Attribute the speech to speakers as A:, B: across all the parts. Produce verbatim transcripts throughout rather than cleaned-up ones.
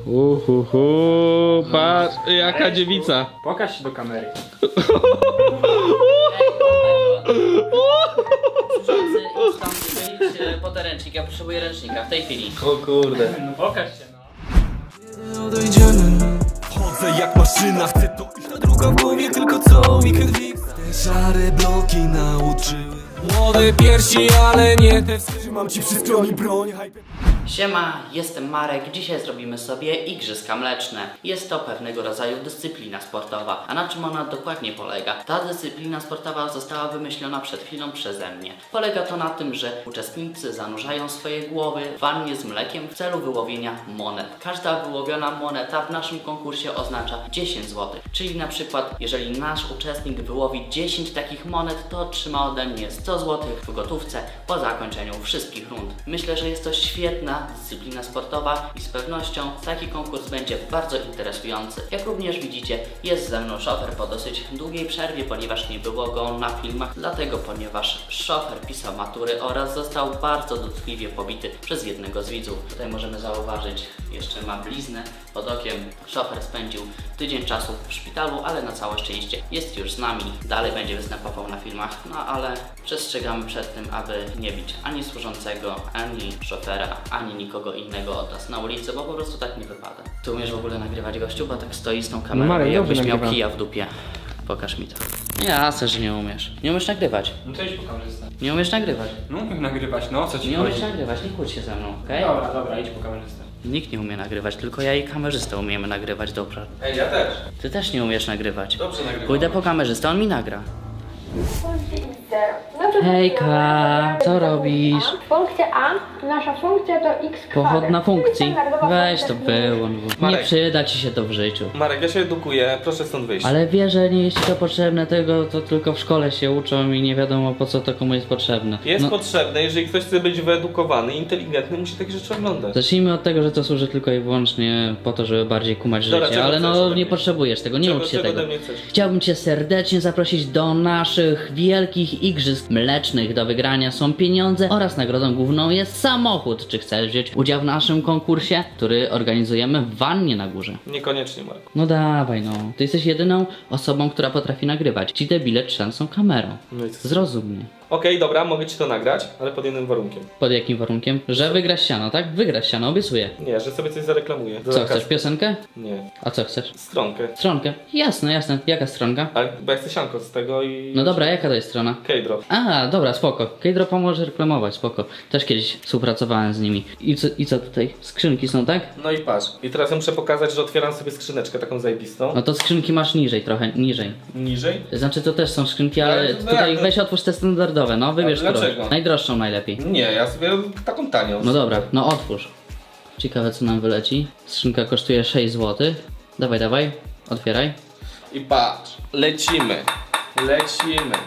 A: Uhuhu, patrz, jaka dziewica.
B: Pokaż się do kamery.
C: Służący, idź tam wyjść po ten ręcznik, ja potrzebuję ręcznika w tej chwili.
A: O kurde.
B: No pokaż się no.
D: Chodzę jak maszyna, chcę to iść na druga w głowie, tylko co weekend fix. Te szare bloki nauczyły młode piersi, ale nie te. Trzymam ci przy stronie broń.
C: Siema, jestem Marek. Dzisiaj zrobimy sobie igrzyska mleczne. Jest to pewnego rodzaju dyscyplina sportowa. A na czym ona dokładnie polega? Ta dyscyplina sportowa została wymyślona przed chwilą przeze mnie. Polega to na tym, że uczestnicy zanurzają swoje głowy w wannie z mlekiem w celu wyłowienia monet. Każda wyłowiona moneta w naszym konkursie oznacza dziesięć złotych. Czyli na przykład, jeżeli nasz uczestnik wyłowi dziesięć takich monet, to otrzyma ode mnie sto złotych w gotówce po zakończeniu wszystkich rund. Myślę, że jest to świetna dyscyplina sportowa i z pewnością taki konkurs będzie bardzo interesujący. Jak również widzicie, jest ze mną szofer po dosyć długiej przerwie, ponieważ nie było go na filmach, dlatego ponieważ szofer pisał matury oraz został bardzo dotkliwie pobity przez jednego z widzów. Tutaj możemy zauważyć, jeszcze ma bliznę pod okiem. Szofer spędził tydzień czasu w szpitalu, ale na całe szczęście jest już z nami. Dalej będzie występował na filmach, no ale przestrzegamy przed tym, aby nie bić ani służącego, ani szofera, ani nikogo innego od nas na ulicy, bo po prostu tak nie wypada. Ty umiesz w ogóle nagrywać, gościu, bo tak stoi z tą kamerą,
A: No Marek,
C: jakbyś
A: dobrze
C: miał
A: nagrywam.
C: kija w dupie. Pokaż mi to. Jasne, że nie umiesz. Nie umiesz nagrywać.
B: No to idź po kamerzysta.
C: Nie umiesz nagrywać.
B: No umiem nagrywać, no co ci
C: Nie
B: chodzi?
C: umiesz nagrywać, nie kłóć się ze mną, okej?
B: Dobra, dobra, idź po kamerzysta.
C: Nikt nie umie nagrywać, tylko ja i kamerzysta umiemy nagrywać dobrze.
A: Ej, ja też.
C: Ty też nie umiesz nagrywać.
A: Dobrze nagrywam.
C: Pójdę po kamerzystę, on mi nagra.
E: Dobrze,
C: Hejka, co robisz?
E: Funkcja A, nasza funkcja to x kwadrat.
C: Pochodna na funkcji.
E: Standardowa
C: Weź to
E: funkcja.
C: było. Nie
A: Marek.
C: przyda ci się to w życiu.
A: Marek, ja się edukuję, proszę stąd wyjść.
C: Ale wie, że nie jest ci to potrzebne, tego to tylko w szkole się uczą i nie wiadomo po co to komu jest potrzebne.
A: Jest
C: No,
A: potrzebne, jeżeli ktoś chce być wyedukowany, inteligentny, musi takie rzeczy oglądać.
C: zacznijmy od tego, że to służy tylko i wyłącznie po to, żeby bardziej kumać
A: Dobra,
C: życie,
A: czego
C: ale
A: chcesz
C: no
A: ode
C: nie
A: mnie?
C: potrzebujesz tego, nie
A: Czego-
C: ucz się
A: czego
C: tego.
A: ode mnie chcesz?
C: Chciałbym cię serdecznie zaprosić do naszych wielkich igrzysk mlecznych. Do wygrania są pieniądze oraz nagrodą główną jest samochód. Czy chcesz wziąć udział w naszym konkursie, który organizujemy w wannie na górze?
A: Niekoniecznie, Marek.
C: No dawaj no, ty jesteś jedyną osobą, która potrafi nagrywać. Ci debile trzęsą kamerą.
A: No i co?
C: Zrozum mnie.
A: Okej, dobra, mogę ci to nagrać, ale pod jednym warunkiem.
C: Pod jakim warunkiem? Że wygrasz siano, tak? Wygrasz siano, obiecuję.
A: Nie, że sobie coś zareklamuję. Do
C: Co
A: zakazu.
C: chcesz, piosenkę?
A: Nie.
C: A co chcesz?
A: Stronkę.
C: Stronkę? Jasne, jasne. Jaka stronka?
A: Ale bo ja chcę sianko z tego i...
C: No dobra, jaka to jest strona?
A: K-drop.
C: A, dobra, spoko. Kejdro pomoże reklamować, spoko. Też kiedyś współpracowałem z nimi. I co, I co tutaj? Skrzynki są, tak?
A: No i patrz. I teraz ja muszę pokazać, że otwieram sobie skrzyneczkę taką zajebistą.
C: No to skrzynki masz niżej trochę, niżej.
A: Niżej.
C: Znaczy to też są skrzynki, ale
A: Ale to
C: tutaj
A: jak to-
C: weź otwórz te standardowe, no wybierz
A: Ale
C: którą.
A: dlaczego?
C: Najdroższą najlepiej.
A: Nie, ja sobie taką tanią.
C: No dobra, no otwórz. Ciekawe co nam wyleci. Skrzynka kosztuje sześć złotych. Dawaj, dawaj, otwieraj.
A: I patrz. Lecimy. Lecimy.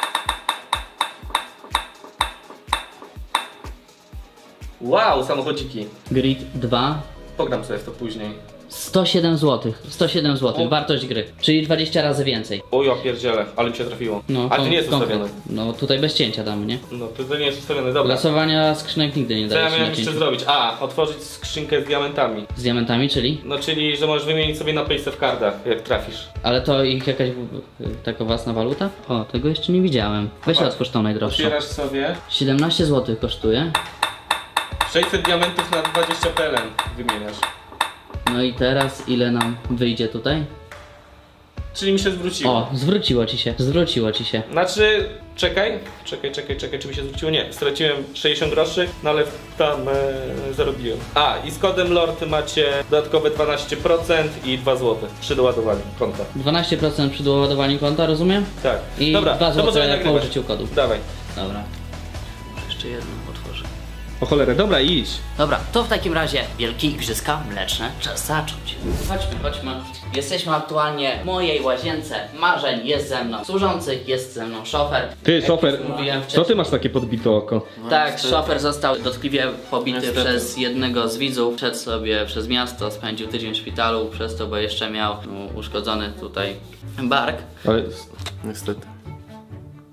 A: Wow, samochodziki.
C: Grid dwa.
A: Pogram sobie w to później.
C: sto siedem złotych. sto siedem złotych,
A: O.
C: wartość gry. Czyli dwadzieścia razy więcej.
A: O ja pierdzielę, ale mi się trafiło.
C: No,
A: A to
C: kon-
A: nie jest
C: konkret.
A: ustawione.
C: No tutaj bez cięcia damy, nie?
A: No to, to nie jest ustawione, dobra.
C: Losowania skrzynek nigdy nie
A: Co ja
C: daje się
A: miałem
C: na
A: jeszcze
C: cięciu.
A: zrobić? A, otworzyć skrzynkę z diamentami.
C: Z diamentami, czyli?
A: No czyli, że możesz wymienić sobie na payce w cardach, jak trafisz.
C: Ale to ich jakaś w- taka własna waluta? O, tego jeszcze nie widziałem. Weź
A: Patrz.
C: otwórz tą najdroższą.
A: Otwierasz sobie
C: siedemnaście złotych kosztuje.
A: sześćset diamentów na dwadzieścia P L N wymieniasz.
C: No i teraz ile nam wyjdzie tutaj?
A: Czyli mi się zwróciło.
C: O, zwróciło ci się, zwróciło ci się.
A: Znaczy, czekaj, czekaj, czekaj, czekaj, czy mi się zwróciło? Nie, straciłem sześćdziesiąt groszy, no ale tam e, zarobiłem. A, i z kodem LORD macie dodatkowe dwanaście procent i dwa złote przy doładowaniu konta.
C: dwanaście procent przy doładowaniu konta, rozumiem?
A: Tak.
C: I
A: Dobra,
C: dwa
A: to możemy
C: złote po
A: nagrywać.
C: użyciu kodu.
A: Dawaj.
C: Dobra. Jeszcze jedno otworzę.
A: O cholerę, dobra, idź.
C: Dobra, to w takim razie wielkie igrzyska mleczne. Czas zacząć. Chodźmy, chodźmy. Jesteśmy aktualnie w mojej łazience. Marzeń jest ze mną. Służący jest ze mną szofer.
A: Ty,
C: Jak
A: szofer,
C: już mówiłem
A: co
C: wcześniej.
A: ty masz takie podbite oko?
C: Tak, szofer został dotkliwie pobity
A: Niestety.
C: przez jednego z widzów. Szedł sobie przez miasto, spędził tydzień w szpitalu, przez to, bo jeszcze miał no, uszkodzony tutaj bark.
A: Ale...
F: Niestety.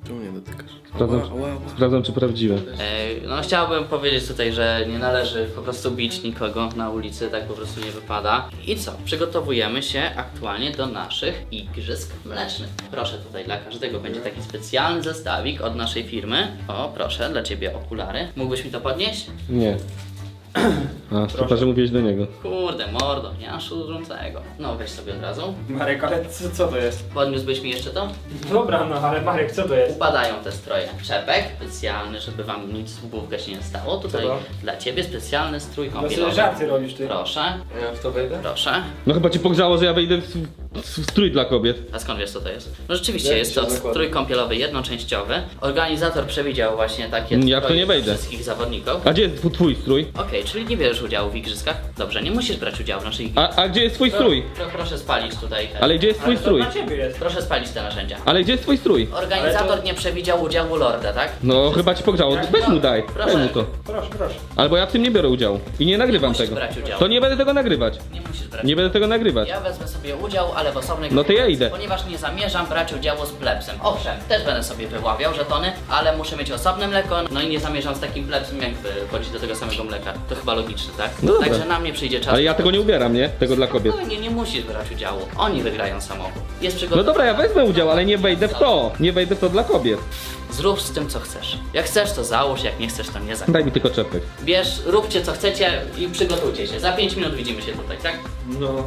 F: Czemu nie dotykasz?
A: Sprawdzam,
F: Ała, ała, ała.
A: sprawdzam czy prawdziwe.
C: Ej, no chciałbym powiedzieć tutaj, że nie należy po prostu bić nikogo na ulicy, tak po prostu nie wypada. I co? Przygotowujemy się aktualnie do naszych igrzysk mlecznych. Proszę, tutaj dla każdego będzie taki specjalny zestawik od naszej firmy. O, proszę, dla ciebie okulary. Mógłbyś mi to podnieść?
A: Nie. A, chyba, że mówiłeś do niego.
C: Kurde, mordo, nie masz służącego. No, weź sobie od razu.
B: Marek, ale co, co to jest?
C: Podniósłbyś mi jeszcze to?
B: Dobra, no ale Marek, co to jest?
C: Upadają te stroje. Czepek specjalny, żeby wam nic w główkę się nie stało. Tutaj
B: Co to?
C: dla ciebie specjalny strój
B: No sobie
C: kąpielowy.
B: żarty robisz ty.
C: Proszę,
F: Ja w to wejdę?
C: proszę.
A: No chyba cię pogrzało, że ja wejdę w, w strój dla kobiet.
C: A skąd wiesz co to jest? No rzeczywiście
F: Jak
C: jest
F: się
C: to
F: zakłada?
C: strój kąpielowy jednoczęściowy. Organizator przewidział właśnie takie
A: Ja w to
C: stroje
A: nie
C: dla
A: wejdę.
C: wszystkich zawodników.
A: A gdzie jest tw- twój strój?
C: Okej, czyli nie bierzesz udziału w igrzyskach? Dobrze, nie musisz brać udziału w naszych igrzyskach.
A: A, a gdzie jest twój strój?
C: Pro, proszę spalić tutaj te.
A: Ale gdzie jest twój
B: Ale to
A: strój?
B: dla ciebie jest.
C: Proszę spalić te narzędzia.
A: Ale gdzie jest twój strój?
C: Organizator
B: Ale to-
C: nie przewidział udziału Lorda, tak?
A: No chyba ci pogrzało. Weź mu daj.
C: Proszę.
A: Daj mu to.
B: Proszę, proszę.
A: Albo ja w tym nie biorę udziału. I nie nagrywam
C: musisz
A: tego.
C: brać udziału.
A: To nie będę tego nagrywać.
C: Nie musisz brać.
A: Nie będę tego nagrywać.
C: Ja wezmę sobie udział, ale w osobnej
A: No to ja idę.
C: Ponieważ nie zamierzam brać udziału z plebsem. Owszem, też będę sobie wyławiał żetony, ale muszę mieć osobne mleko, no i nie zamierzam z takim plebsem jakby chodzić do tego samego mleka. To chyba logiczne, tak?
A: No dobra.
C: Także na mnie przyjdzie czas.
A: Ale ja tego nie ubieram, nie? Tego dla kobiet.
C: No, nie, nie musisz brać udziału. Oni wygrają samochód. Jest
A: No
C: przygotowany.
A: dobra, ja wezmę udział, ale nie wejdę w to. Nie wejdę w to dla kobiet.
C: Zrób z tym co chcesz. Jak chcesz to załóż, jak nie chcesz to nie załóż.
A: Daj mi tylko czepek.
C: Bierz, róbcie co chcecie i przygotujcie się. Za pięć minut widzimy się tutaj, tak?
F: No.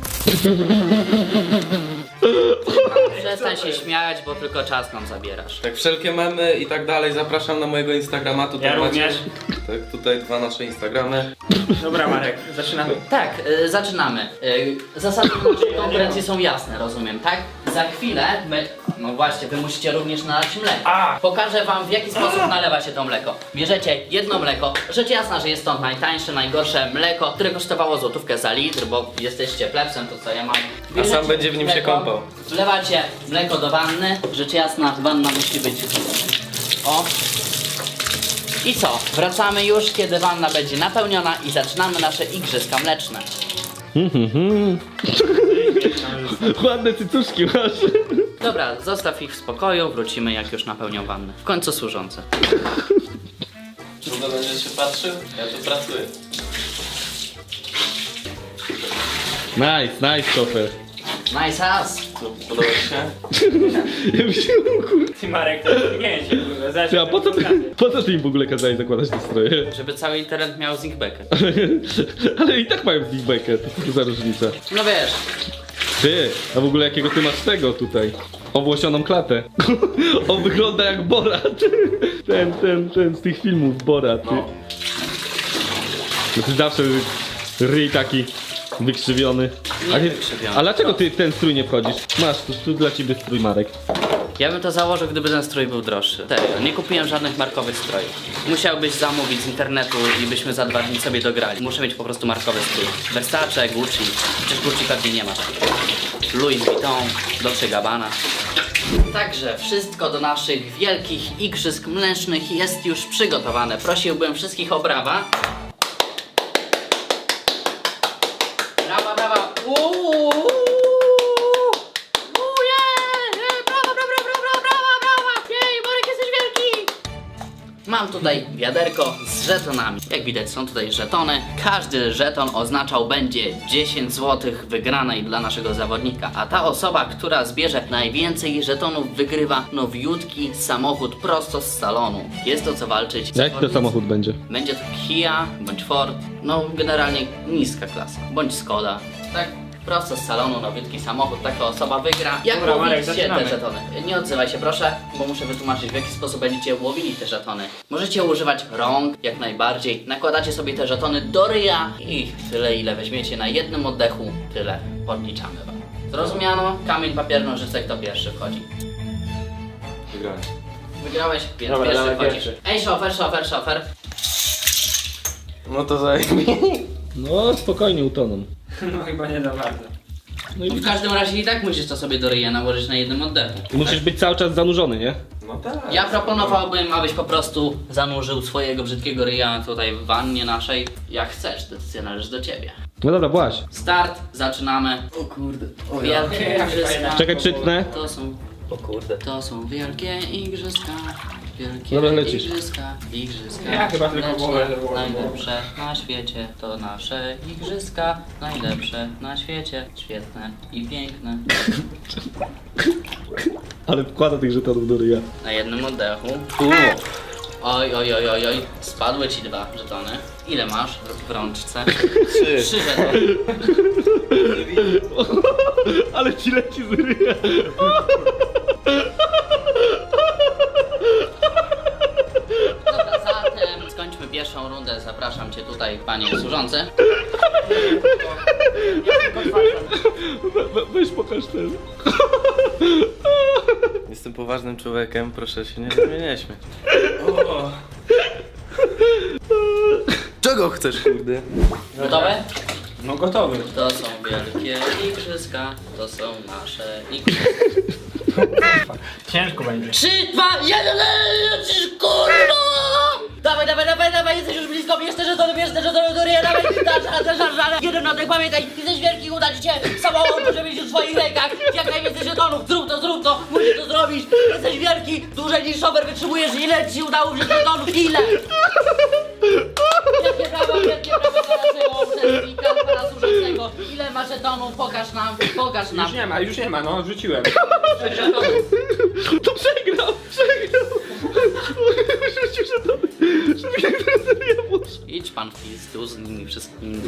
C: Przestań się śmiać, bo tylko czas nam zabierasz.
F: Tak, wszelkie memy i tak dalej zapraszam na mojego Instagrama. Tutaj
B: Ja
F: macie,
B: również.
F: Tak, tutaj dwa nasze Instagramy.
B: Dobra Marek, zaczynamy.
C: Tak, y, zaczynamy. Y, zasady naszej konkurencji są jasne, rozumiem, tak? Za chwilę my... No właśnie, wy musicie również nalać mleko.
B: A!
C: Pokażę wam w jaki sposób nalewa się to mleko. Bierzecie jedno mleko. Rzecz jasna, że jest to najtańsze, najgorsze mleko, które kosztowało złotówkę za litr, bo jesteście plebsem, to co ja mam.
F: A sam będzie w nim się kąpał.
C: Wlewacie mleko do wanny. Rzecz jasna, wanna musi być... O! I co? Wracamy już, kiedy wanna będzie napełniona i zaczynamy nasze igrzyska mleczne.
A: Ładne cycuszki masz.
C: Dobra, zostaw ich w spokoju, wrócimy jak już napełnią wannę. W końcu służące.
F: Długo będziesz się patrzył? Ja tu pracuję.
A: Nice, nice, szofer.
C: Nice ass!
F: Co, podoba ci się?
A: Ja myślałem, kurde.
B: Ty Marek, to nie się kurwa. Zaraz
A: A po co, ty, po co ty im w ogóle kazałeś zakładać te stroje?
C: Żeby cały internet miał zinkbekę.
A: Ale i tak mają feedbackę, to co za różnica.
C: No wiesz,
A: Ty, a w ogóle jakiego ty masz tego tutaj? Owłosioną klatę. On wygląda jak Borat. Ten, ten, ten z tych filmów Borat. Ty. No ty zawsze ryj taki wykrzywiony.
C: Nie
A: A, ty,
C: wykrzywiony.
A: a dlaczego ty w ten strój nie wchodzisz? Masz, tu, tu dla ciebie strój, Marek.
C: ja bym to założył, gdyby ten strój był droższy. Serio, nie kupiłem żadnych markowych strojów. Musiałbyś zamówić z internetu i byśmy za dwa dni sobie dograli. Muszę mieć po prostu markowy strój. Versace, Gucci. Przecież Gucci pewnie nie ma takich. Louis Vuitton, Dolce Gabbana. Także wszystko do naszych wielkich igrzysk mlecznych jest już przygotowane. Prosiłbym wszystkich o brawa. Brawa, brawa. Uuu. Brawa, brawa, brawa, brawa, brawa. Jej, Marek, jesteś wielki. Mam tutaj wiaderko z żetonami. Jak widać, są tutaj żetony. Każdy żeton oznaczał będzie dziesięć złotych wygranej dla naszego zawodnika. A ta osoba, która zbierze najwięcej żetonów, wygrywa nowiutki samochód prosto z salonu. Jest to co walczyć.
A: Jaki to
C: Zawodnicy-
A: samochód będzie?
C: Będzie to Kia bądź Ford, no generalnie niska klasa, bądź Skoda, tak? Prosto z salonu, nowiutki samochód, taka osoba wygra. Jak
B: Dobra, Marek,
C: łowicie te
B: zaczynamy.
C: żetony? Nie odzywaj się proszę, bo muszę wytłumaczyć w jaki sposób będziecie łowili te żetony. Możecie używać rąk, jak najbardziej. Nakładacie sobie te żetony do ryja i tyle ile weźmiecie na jednym oddechu, tyle podliczamy wam. Zrozumiano? Kamień, papier, nożyce, kto pierwszy wchodzi?
F: Wygrałem.
C: Wygrałeś? Więc
B: Dobra,
C: pierwszy
B: dawaj
C: wchodzisz.
B: pierwszy.
C: Ej, szofer, szofer, szofer.
F: No to zajmij.
A: No, spokojnie utoną.
B: No chyba nie za bardzo.
A: No i
C: W każdym razie i tak musisz to sobie do ryja nałożyć na jednym oddechu.
A: musisz być cały czas zanurzony, nie?
F: No tak.
C: Ja proponowałbym, abyś po prostu zanurzył swojego brzydkiego ryja tutaj w wannie naszej. Jak chcesz, decyzja należy do ciebie.
A: No dobra, właź.
C: Start, zaczynamy.
F: O kurde.
C: Wielkie
B: jak
C: igrzyska.
B: fajnie.
A: Czekaj, czytnę.
C: To są
A: O kurde.
C: To są wielkie igrzyska, wielkie
A: Dobra, lecisz.
C: igrzyska, igrzyska.
B: Ja chyba tylko
C: mleczne,
B: głowę wywołam.
C: najlepsze na świecie, to nasze igrzyska, najlepsze na świecie, świetne i piękne.
A: Ale wkłada tych żetonów do ryja.
C: Na jednym oddechu. Oj, oj, oj, oj, oj, spadły ci dwa żetony. Ile masz w rączce?
A: Trzy.
C: Trzy żetony.
A: Ale ci leci z ryja.
C: Dobra, zatem skończmy pierwszą rundę. Zapraszam cię tutaj, panie służący.
A: We, weź pokaż ten.
F: Jestem poważnym człowiekiem, proszę się nie, nie, nie śmiać. Czego chcesz, kurde?
C: Gotowe?
B: No gotowy.
C: To są wielkie igrzyska, to są nasze igrzyska.
B: Ciężko będzie.
C: Trzy, dwa, jeden, lecisz, kurwa! Dawaj, dawaj, dawaj, dawaj, jesteś już blisko, bierz te żetony, bierz te żetony do ryja, dawaj, dasz radę, dasz radę. Jeden oddech, pamiętaj, jesteś wielki, uda ci się, samochód może mieć w swoich rękach, jak najwięcej żetonów, zrób to, zrób to, musisz to zrobić. Jesteś wielki, dłużej niż szofer wytrzymujesz, ile ci udało wziąć żetonów, ile? Wielkie brawa, wielkie brawa dla naszego uczestnika, pana służącego. Ile masz żetonów, pokaż nam, pokaż nam.
B: Już nie ma, już nie ma, no rzuciłem.
C: Sześć żetonów.
A: To przegrał, przegrał. Rzucił żetony. Żeby jak teraz z ryja poszło.
C: Idź pan w pizdu z nimi wszystkimi.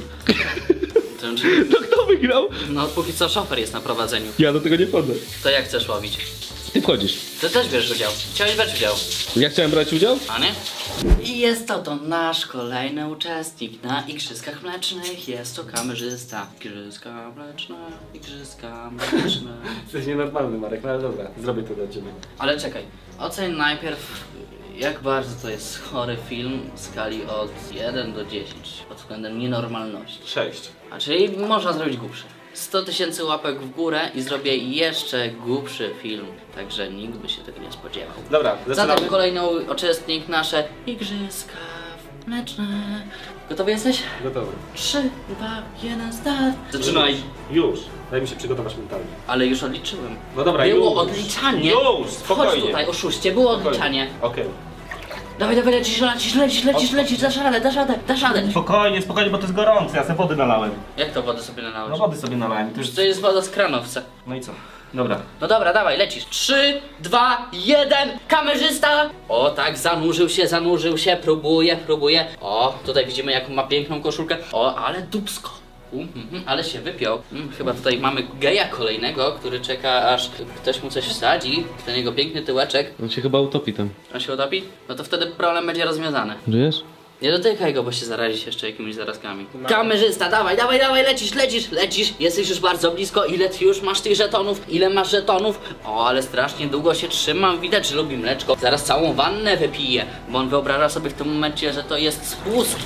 A: No kto wygrał?
C: No póki co szofer jest na prowadzeniu.
A: Ja do tego nie wchodzę.
C: To jak chcesz łowić?
A: Ty wchodzisz.
C: Ty też bierzesz udział. Chciałeś brać udział,
A: Ja chciałem brać udział?
C: a nie? I jest to to nasz kolejny uczestnik na Igrzyskach Mlecznych. Jest to kamerzysta. Igrzyska mleczne, igrzyska mleczne.
A: Jesteś nienormalny, Marek, no ale dobra, zrobię to dla ciebie.
C: Ale czekaj, oceń najpierw jak bardzo to jest chory film w skali od jeden do dziesięciu pod względem nienormalności.
A: Sześć.
C: A czyli można zrobić głupszy. sto tysięcy łapek w górę i zrobię jeszcze głupszy film. Także nikt by się tego nie spodziewał.
A: Dobra, zaczynamy.
C: Zatem kolejny uczestnik nasze Igrzyska Mleczne. Gotowy jesteś?
A: Gotowy.
C: trzy, dwa, jeden, start. Zaczynaj.
A: Już. Daj mi się przygotować mentalnie.
C: Ale już odliczyłem.
A: No dobra,
C: Było
A: już.
C: odliczanie.
A: Już,
C: Chodź
A: spokojnie.
C: tutaj, oszuście, było
A: Spokojnie.
C: odliczanie.
A: Okej.
C: Dawaj, dawaj, lecisz, lecisz, lecisz, lecisz, lecisz, dasz radę, dasz radę, dasz radę.
A: Spokojnie, spokojnie, bo to jest gorące, ja sobie wody nalałem.
C: Jak to wodę sobie nalałeś?
A: No wody sobie nalałem, to już...
C: To jest woda z kranowca.
A: No i co? Dobra.
C: No dobra, dawaj, lecisz. trzy, dwa, jeden, kamerzysta! O tak, zanurzył się, zanurzył się, próbuje, próbuje. O, tutaj widzimy jaką ma piękną koszulkę. O, ale dupsko. Um, mm, mm, ale się wypiął. Mm, chyba tutaj mamy geja kolejnego, który czeka aż ktoś mu coś wsadzi. Ten jego piękny tyłeczek.
F: On się chyba utopi tam.
C: On się utopi? No to wtedy problem będzie rozwiązany.
F: Żyjesz?
C: Nie dotykaj go, bo się zarazisz jeszcze jakimiś zarazkami. Kamerzysta, dawaj, dawaj, dawaj, lecisz, lecisz, lecisz. Jesteś już bardzo blisko. Ile ty już masz tych żetonów? Ile masz żetonów? O, ale strasznie długo się trzymam. Widać, że lubi mleczko. Zaraz całą wannę wypije, bo on wyobraża sobie w tym momencie, że to jest spust.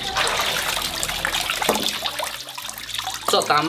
C: Co tam?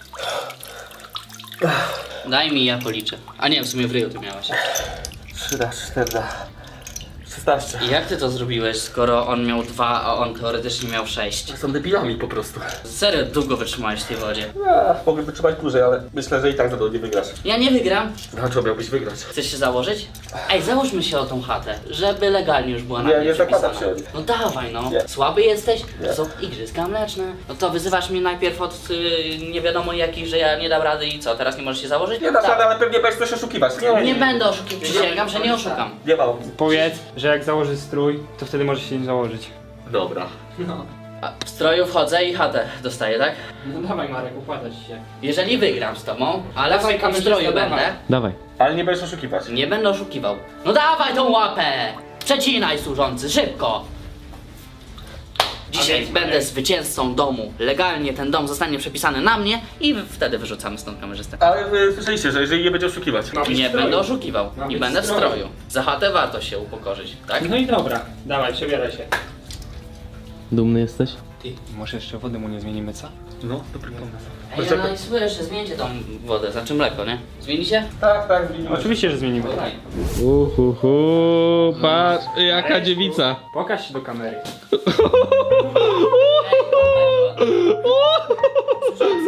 C: Daj mi, ja policzę. A nie, w sumie w ryju ty miałeś.
A: trzy raz, cztery szesnaście.
C: I jak ty to zrobiłeś, skoro on miał dwa, a on teoretycznie miał sześć?
A: Są debilami po prostu.
C: Serio, długo wytrzymałeś w tej wodzie.
A: Ja, mogę wytrzymać dłużej, ale myślę, że i tak za to nie wygrasz.
C: Ja nie wygram.
A: Dlaczego miałbyś wygrać?
C: Chcesz się założyć? Ej, załóżmy się o tą chatę, żeby legalnie już była na
A: Nie,
C: mnie
A: nie zakładam
C: przepisana.
A: się.
C: No dawaj no.
A: Nie.
C: Słaby jesteś?
A: Nie.
C: To są igrzyska mleczne. No to wyzywasz mnie najpierw od y, nie wiadomo jakich, że ja nie dam rady i co, teraz nie możesz się założyć?
A: Nie dasz
C: Dawaj.
A: rady, ale pewnie będziesz coś oszukiwać. Nie,
C: Nie będę oszukiwał, przysięgam, że nie oszukam.
A: Nie ma opcji.
B: Powiedz, że jak założy strój, to wtedy możesz się nie założyć.
A: Dobra.
B: No.
C: A w stroju wchodzę i chatę dostaję, tak?
B: No dawaj Marek, układa ci się.
C: Jeżeli wygram z tobą, ale
B: Dawaj,
C: w, w
B: kamerzysta,
C: stroju
B: dawaj.
C: będę,
F: Dawaj.
A: Ale nie będziesz oszukiwać.
C: nie będę oszukiwał. No dawaj tą łapę! Przecinaj służący, szybko! Dzisiaj będę zwycięzcą domu. Legalnie ten dom zostanie przepisany na mnie i wtedy wyrzucamy stąd kamerzystę.
A: Ale wy słyszeliście, że jeżeli nie będzie oszukiwać.
B: Ma być
C: Nie
B: w stroju.
C: będę oszukiwał
B: Ma
C: i
B: być
C: będę w
B: w stroju.
C: stroju. Za chatę warto się upokorzyć, tak?
B: No i dobra, dawaj, przebieraj się.
F: Dumny jesteś?
B: Ty, może jeszcze wody mu nie zmienimy, co?
A: No, dobry pomysł.
C: Ej, ja no i słyszę, zmieńcie tą wodę, znaczy mleko, nie? Zmienicie?
A: Tak, tak, zmieniłeś.
B: Oczywiście, że zmienimy.
C: Daj.
F: Uhuhu, patrz, jaka dziewica.
B: Pokaż się do kamery.
C: Służący,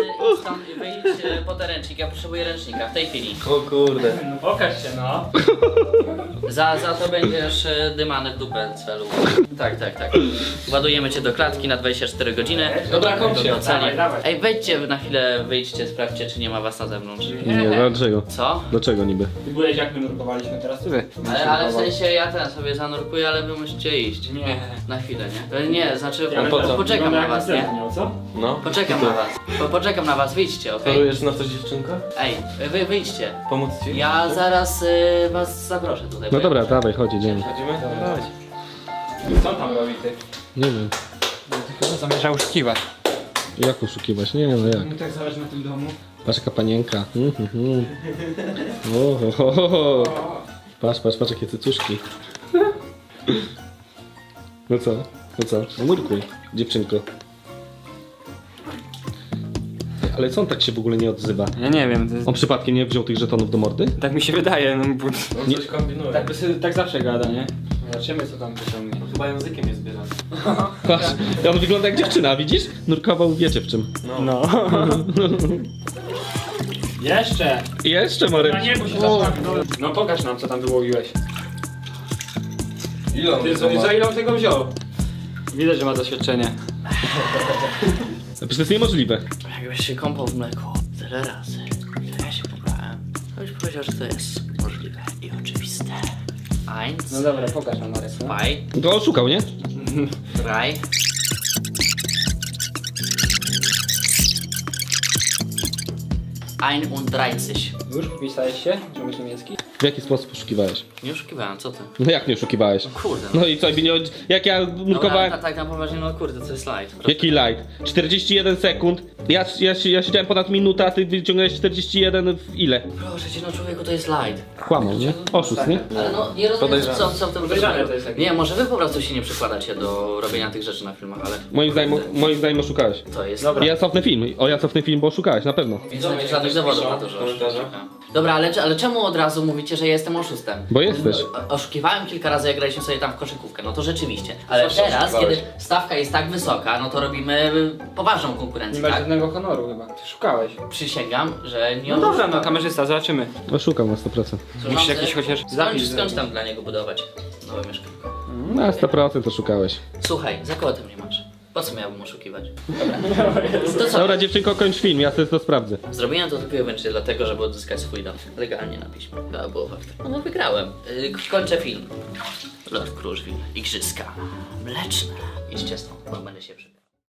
C: stąd i wyjdź e, po ten ręcznik, ja potrzebuję ręcznika w tej chwili.
A: O kurde.
B: No pokaż się, no.
C: Za, za to będziesz e, dymany w dupę celu. Tak, tak, tak. Ładujemy cię do klatki na dwadzieścia cztery godziny.
B: Dobra, kończ się.
C: Do celi.
B: Dawaj, dawaj.
C: Ej, wejdźcie na chwilę, wyjdźcie, sprawdźcie, czy nie ma was na zewnątrz.
A: Nie, dlaczego?
C: Co?
A: Dlaczego niby?
B: Ty byłeś jak my nurkowaliśmy, teraz ty wy.
C: Ale, ale w sensie ja ten sobie zanurkuję, ale wy musicie iść.
B: Nie.
C: Na chwilę, nie? E, Nie, znaczy
B: Ja
A: po co?
C: poczekam na was, nie?
B: Miał, co?
F: No.
C: Poczekam na was. Po, poczekam na was, wyjdźcie, okej?
F: Chorujesz na coś, dziewczynka?
C: Ej, wy wyjdźcie.
F: Pomóc ci?
C: Ja zaraz y, was zaproszę tutaj.
A: No
C: bo
A: dobra,
C: ja-
A: dawaj, chodź, idziemy.
F: Chodzimy? Dawaj.
B: Co on tam robi ty?
A: Nie wiem,
B: Ty chyba zamierza oszukiwać.
A: jak oszukiwać? Nie no jak.
B: Mi tak zależy na tym domu.
A: Patrz jaka panienka. Mm, mm, mm. O, ho, ho, ho, ho. Patrz, patrz, patrz jakie cycuszki. No co? No co? No nurkuj, dziewczynko. Ale co on tak się w ogóle nie odzywa?
B: Ja nie wiem, to jest...
A: On przypadkiem nie wziął tych żetonów do mordy?
B: tak mi się wydaje, no bo...
F: On coś kombinuje.
B: Tak, by sobie, tak zawsze gada, nie? Zobaczymy co tam wyciągnie.
F: Chyba językiem jest zbierany.
A: Patrz, on wygląda jak dziewczyna, widzisz? Nurkował wiecie w czym.
B: No. Jeszcze!
A: I jeszcze Marek.
B: Na niebo się zastawi. No pokaż nam co tam wyłowiłeś.
F: Ile on
B: Ty,
F: tego
B: za,
F: ma?
B: za ile on tego wziął? Widać, że ma doświadczenie.
A: Przecież to jest niemożliwe.
C: Jakbyś się kąpał w mleku tyle razy, to ja się pobrałem. To byś powiedział, że to jest możliwe i oczywiste. Eins,
B: No dobra, pokaż nam Marek. No.
C: zwei,
A: To oszukał, nie?
C: drei. einunddreißig.
B: Już wpisałeś się? Czy umiesz niemiecki?
A: W jaki sposób oszukiwałeś?
C: Nie oszukiwałem, co ty?
A: No jak nie oszukiwałeś?
C: Kurde. No.
A: No i co, nie, jak ja
C: Dobra,
A: nurkowałem...
C: tak, tak na poważnie, no kurde, to jest light.
A: Jaki light? czterdzieści jeden sekund. Ja, ja, ja siedziałem ponad minutę, a ty wyciągnąłeś czterdzieści jeden w ile?
C: Proszę cię, no człowieku, to jest light.
A: Kłamał, nie? Oszust, nie?
C: Ale no, nie rozumiem,
F: Podejrzane.
C: co, co w tym
B: Podejrzane to jest takie.
C: Nie, może wy po prostu się nie przykładacie do robienia tych rzeczy na filmach, ale
A: Moim zdaniem, moim zdaniem oszukałeś.
C: to jest...
B: Dobra.
A: Ja cofnę film. O, ja cofnę film, bo oszukałeś, na pewno.
C: Więc nie ma żadnych dowodów na to, że
F: komentarze.
C: oszukałem. Dobra, ale, ale czemu od razu mówicie, że ja jestem oszustem?
A: Bo jesteś.
C: O- Oszukiwałem kilka razy, jak graliśmy sobie tam w koszykówkę, no to rzeczywiście. Ale
F: Zawsze
C: teraz,
F: oszukiwałeś.
C: kiedy stawka jest tak wysoka, no to robimy poważną
B: Nie
C: konkurencję,
B: masz
C: tak?
B: żadnego honoru chyba. Ty szukałeś.
C: Przysięgam, że nie
B: No dobra, no
C: oszukałem.
B: kamerzysta, zobaczymy.
A: Oszukał na sto procent.
C: Służący,
B: Musisz jakiś chociaż
C: skończ,
B: zapis
C: skończ
B: zrobić.
C: tam dla niego budować nowe mieszkanko.
A: Na sto procent oszukałeś.
C: Słuchaj, za kogo ty mnie masz? Po co miałbym oszukiwać? To co?
A: Dobra, dziewczynko, kończ film, ja sobie to sprawdzę.
C: Zrobiłem to tylko i wyłącznie dlatego, żeby odzyskać swój dom. Legalnie na piśmie. To było fakt. No bo wygrałem. Yy, kończę film. Lord Kruszwil. Igrzyska. Mleczne. Idźcie stąd, bo będę się przy...